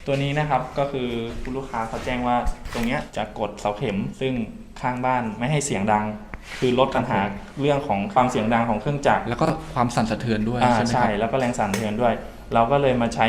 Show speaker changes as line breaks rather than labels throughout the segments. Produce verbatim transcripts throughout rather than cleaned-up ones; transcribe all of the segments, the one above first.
ตัวนี้นะครับก็คือคุณลูกค้าเขาแจ้งว่าตรงเนี้ยจะกดเสาเข็มซึ่งข้างบ้านไม่ให้เสียงดังคือลดปัญหาเรื่องของความเสียงดังของเครื่องจักร
แล้วก็ความสั่นสะเทือนด้วยใช่ไหมครับ
ใช่แล้วก็แรงสั่นสะเทือนด้วยเราก็เลยมาใช้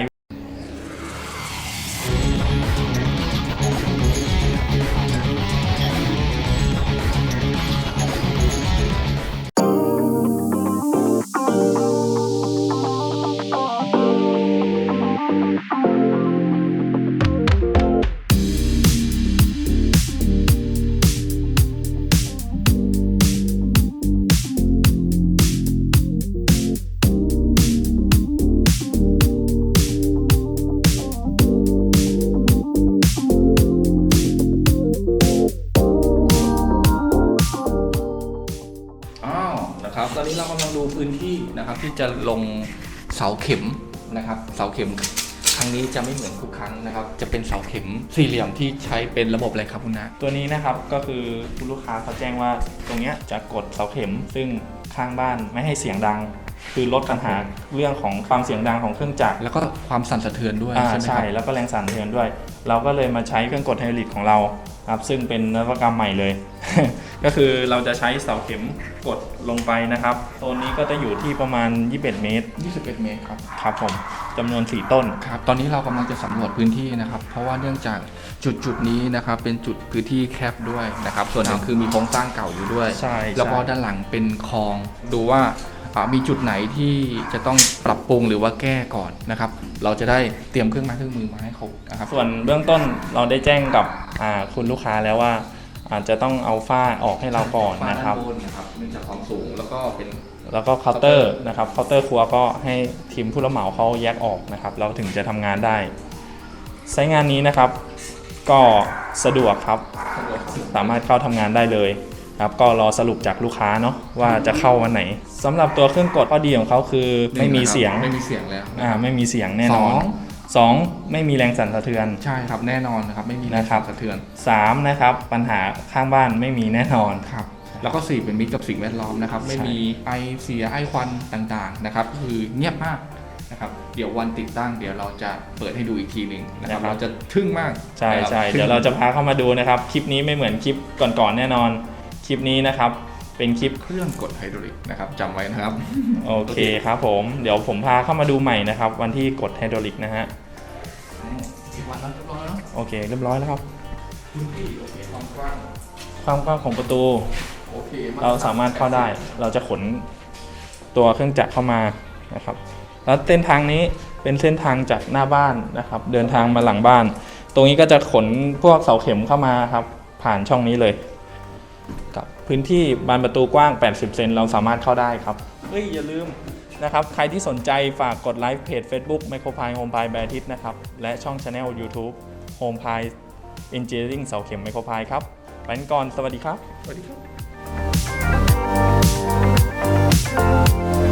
นะครับตอนนี้เรากำลังดูพื้นที่นะครับที่จะลงเสาเข็มนะครับเสาเข็มครั้งนี้จะไม่เหมือนทุกครั้งนะครับจะเป็นเสาเข็มสี่เหลี่ยมที่ใช้เป็นระบบอะไรครับคุณนะ
ตัวนี้นะครับก็คือคุณลูกค้าเขาแจ้งว่าตรงเนี้ยจะกดเสาเข็มซึ่งข้างบ้านไม่ให้เสียงดังคือลดปัญหาเรื่องของความเสียงดังของเครื่องจักร
แล้วก็ความสั่นสะเทือนด้วยใช่ไหมครับ
ใช่แล้วก็แรงสั่นสะเทือนด้วยเราก็เลยมาใช้เครื่องกดไฮดรอลิกของเราครับซึ่งเป็นนวัตกรรมใหม่เลย ก็คือเราจะใช้เสาเข็มกดลงไปนะครับโซนนี้ก็จะอยู่ที่ประมาณยี่สิบเอ็ดเมตร
ยี่สิบเอ็ดเมตรครับ
ครับผมจำนวนสี่ต้น
ครับตอนนี้เรากำลังจะสำรวจพื้นที่นะครับเพราะว่าเนื่องจากจุดจุดนี้นะครับเป็นจุดพื้นที่แคบด้วยนะครับส่วนหนึ่งคือมีโครงสร้างเก่าอยู่ด้วย
ใช่
แล้วก็ด้านหลังเป็นคลองดูว่ามีจุดไหนที่จะต้องปรับปรุงหรือว่าแก้ก่อนนะครับเราจะได้เตรียมเครื่องไม้เครื่องมือมาให้เขานะครับ
ส่วนเบื้องต้นเราได้แจ้งกับคุณลูกค้าแล้วว่าอาจจะต้องเอาฝ้าออกให้เราก่อนนะครับ
นะครับเนื่องจากความสูงแล้วก็เป็น
แล้วก็เคาน์เตอร์นะครับเคาน์เตอร์ครัวก็ให้ทีมผู้รับเหมาเขาแยกออกนะครับเราถึงจะทำงานได้ใช้งานนี้นะครับก็สะดวกครับสามารถเข้าทำงานได้เลยครับก็รอสรุปจากลูกค้าเนาะว่าจะเข้าวันไหนสำหรับตัวเครื่องกดข้อดีของเขาคือไม่มีเสียง
ไม่มีเสียงแล้ว
อ่าไม่มีเสียงแน่นอนสองไม่มีแรงสั่นสะเทือน
ใช่ครับแน่นอนนะครับไม่มีแรงสั่นสะเทือน
สามนะครับปัญหาข้างบ้านไม่มีแน่นอน
ครับแล้วก็สี่เป็นมิตรกับสิ่งแวดล้อมนะครับไม่มีไอเสียไอควันต่างๆนะครับคือเงียบมากนะครับเดี๋ยววันติดตั้งเดี๋ยวเราจะเปิดให้ดูอีกทีหนึ่งนะครับเราจะทึ่งมาก
ใช่ใช่เดี๋ยวเราจะพาเข้ามาดูนะครับคลิปนี้ไม่เหมือนคลิปก่อนๆแน่นอนคลิปนี้นะครับเป็นคลิป
เครื่องกดไฮดรอลิกนะครับจำไว้นะครับ
โอเคครับผมเดี๋ยวผมพาเข้ามาดูใหม่นะครับวันที่กดไฮดรอลิกนะฮะ
วันแล้วเรียบร้อยแล้ว
โอเคเรียบร้อยแล้วครับ
พื้นที่โอเคความกว้าง
ความกว้างของประตู
โอเค
เราสามารถเข้าได้เราจะขนตัวเครื่องจักรเข้ามานะครับแล้วเส้นทางนี้เป็นเส้นทางจากหน้าบ้านนะครับเดินทางมาหลังบ้านตรงนี้ก็จะขนพวกเสาเข็มเข้ามาครับผ่านช่องนี้เลยกับพื้นที่บานประตูกว้างแปดสิบเซนเราสามารถเข้าได้ครับเฮ้ยอย่าลืมนะครับใครที่สนใจฝากกดไลค์เพจ Facebook Micropile Home Pile แบรนด์ทิศนะครับและช่อง Channel YouTube Home Pile Engineering เสาเข็ม Micropile ครับไปกันก่อนสวัสดีครับ
สวัสดีครับ